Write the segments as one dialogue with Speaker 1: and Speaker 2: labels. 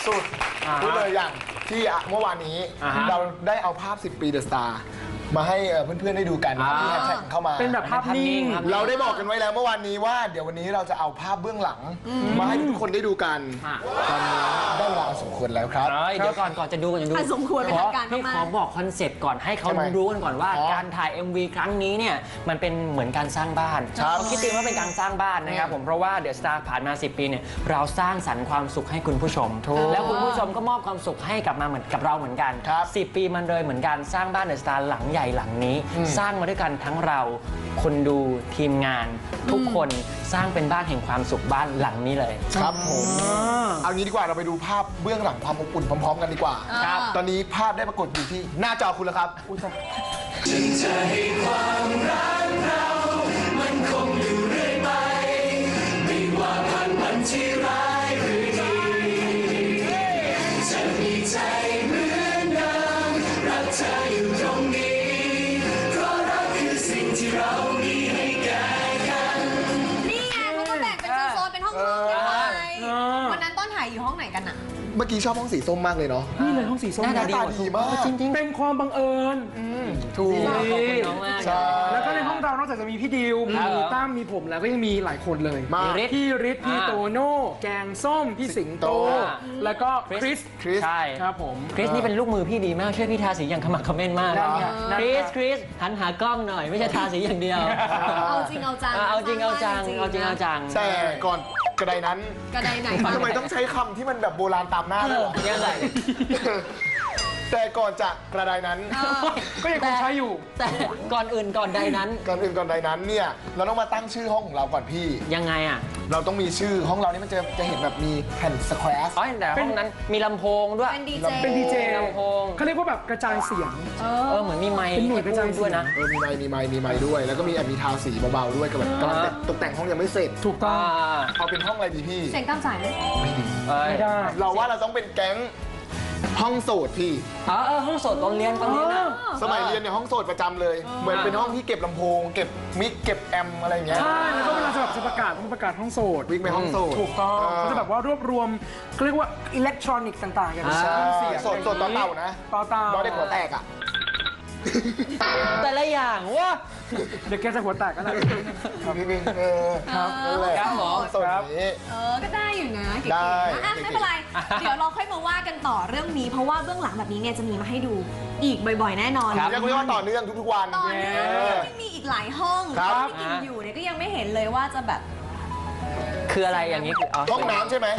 Speaker 1: สุดพูดเลยอย่างที่เมื่อวานนี้เราได้เอาภาพ 10 ปีเดอะสตาร์มาให้เพื่อนๆได้ดูกันที่แฮชแท็กเข้ามา
Speaker 2: เป็นแบบภาพนิ่ง
Speaker 1: เราได้บอกกันไว้แล้วเมื่อวานนี้ว่าเดี๋ยววันนี้เราจะเอาภาพเบื้องหลังมาให้ทุกคนได้ดูกันตอนนี้ได้เวลาสมควรแล้วครับ
Speaker 3: เดี๋ยวก่อนจะดู
Speaker 4: สมควรเป็นทางการ
Speaker 3: ให้
Speaker 4: มาก
Speaker 3: ขอบอกคอนเซปต์ก่อนให้เขารู้กันก่อนว่าการถ่าย MV ครั้งนี้เนี่ยมันเป็นเหมือนการสร้างบ้านเขาคิดจริงว่าเป็นการสร้างบ้านนะครับผมเพราะว่าเดอะสตาร์ผ่านมา10 ปีเนี่ยเราสร้างสรรค์ความสุขให้คุณผู้ชมแล้วคุณผู้ชมก็มอบความสุขให้กลับมาเหมือนกับเราเหมือนกัน10 ปีมันเลยเหมือนการสร้างบ้านเดอะสตาร์หลังใหญ่หลังนี้สร้างมาด้วยกันทั้งเราคนดูทีมงานทุกคนสร้างเป็นบ้านแห่งความสุขบ้านหลังนี้เลย
Speaker 1: ครับผมเอางี้ดีกว่าเราไปดูภาพเบื้องหลังความอบอุ่นพร้อมๆกันดีกว่า
Speaker 3: ครับ
Speaker 1: ตอนนี้ภาพได้ปรากฏอยู่ที่หน้าจอคุณแล้วครับ
Speaker 5: จึงจะให้ความรักเรามันคงอยู่เรื่อยไปไม่ว่าผ่านวันที่ร้ายหรือดีจะมีใจเหมือนเดิมรักเธออยู่ตรงนี้เพราะรักคือสิ่งที่เรามีให้แก่กัน
Speaker 4: นี่ไงเขาก็แบ่งเป็นโซนๆเป็นห้องๆกันไปวันนั้นต้นถ่ายอยู่ห้องไหนกันอะ
Speaker 1: เมื่อกี้ชอบห้องสีส้มมากเลยเนาะ
Speaker 2: นี่เลยห้องสีส้ม
Speaker 1: หน้าตาดีมาก
Speaker 2: จริงๆเป็นความบังเอิญ
Speaker 1: ถูก
Speaker 3: ขอบคุณน้องมาก
Speaker 2: แล้วก็ในห้องเรานอกจากจะมีพี่ดิวมีตั้มมีผมแล้วก็ยังมีหลายคนเลยพี่ฤทธิ์พี่โตโน่แกงส้มพี่สิงโตแล้วก็คริส
Speaker 3: ใช่
Speaker 2: ครับผม
Speaker 3: คริสนี่เป็นลูกมือพี่ดีมากช่วยพี่ทาสีอย่างขมักเขม้นมากคริสหันหากล้องหน่อยไม่ใช่ทาสีอย่างเดียว
Speaker 4: เอาจริงเอาจัง
Speaker 3: เอาจริงเอาจัง
Speaker 1: แต่ก่อนกระไดนั้น
Speaker 4: กระไดไหน
Speaker 1: ทำไมต้องใช้คำที่มันแบบโบราณตามหน้าด้วย
Speaker 3: ยังไง
Speaker 1: แต่ก่อนจะกระไดนั้น
Speaker 2: ก็ยังคงใช้อยู่
Speaker 3: แต่ก่อนอื่นก่อนใดนั้น
Speaker 1: เนี่ยเราต้องมาตั้งชื่อห้องของเราก่อนพี่
Speaker 3: ยังไงอ่ะ
Speaker 1: เราต้องมีชื่อห้องเรานี่มันจะเห็นแบบมีแผ่นสแควร์
Speaker 3: แต่ห้องนั้นมีลำโพงด้วย
Speaker 4: เป็นดีเจ
Speaker 3: ลำโพง
Speaker 2: เขาเรียกว่าแบบกระจายเสียง
Speaker 3: เหมือนมีไมค์
Speaker 2: เป็นหน่วยกระจาย
Speaker 3: ด้วยนะ
Speaker 1: มีไมค์ด้วยแล้วก็มีมีทาสีเบาๆด้วยกับแบบกำลังตกแต่งห้องยังไม่เสร็จ
Speaker 2: ถูกต้อง
Speaker 1: เอาเป็นห้องอะไรดีพี่
Speaker 4: เสียงตามสายไหม
Speaker 1: ไม่ดี
Speaker 2: ไม่ได้
Speaker 1: เราว่าเราต้องเป็นแก๊งห้องโสดพี่
Speaker 3: ห้องโสดตอนเรียนนะ
Speaker 1: สมัยเรียนเนี่ยห้องโสดประจำเลยเหมือนเป็นห้องที่เก็บลำโพงเก็บมิกเก็บแอมอะไรอย่างเงี้ย
Speaker 2: ใช่แล้วก็เวลาจะประกาศห้องโสด
Speaker 1: วิ่งไปห้องโสด
Speaker 2: ถูกต้องเขาจะแบบว่ารวบรวมเขาเรียกว่าอิเล็กทรอนิกส์ต่างๆอย่าง
Speaker 1: เสียงโสดต่อเต่านะ
Speaker 2: ต่อเต่า
Speaker 1: น้องเด็กหัวแตกอ่ะ
Speaker 3: แต่ละอย่างว่า
Speaker 2: เด็กแกจะหัวแตกกันนะ
Speaker 1: พี่บิง
Speaker 2: ครับ
Speaker 3: ครับหมอ
Speaker 1: สดนี้
Speaker 4: ก็ได้อยู่นะได้ไม่เป็นไรเดี๋ยวเราค่อยมาว่ากันต่อเรื่องนี้เพราะว่าเบื้องหลังแบบนี้เนี่ยจะมีมาให้ดูอีกบ่อยๆแน่นอน
Speaker 1: เรียกว่าต่อเนื่องทุกๆวัน
Speaker 4: ต่อเนื่องยังมีอีกหลายห้องที่กินอยู่เนี่ยก็ยังไม่เห็นเลยว่าจะแบบ
Speaker 3: คืออะไรอย่างนี้
Speaker 1: ห้องน้ำใช่ไหม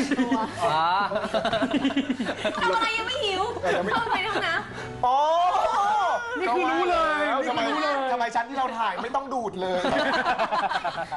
Speaker 4: ทำอะไรยังไม่หิวเข้าไปในห้องน้ำ
Speaker 2: นี่คือรู้เลย
Speaker 1: ทำไมชั้นที่เราถ่ายไม่ต้องดูดเลย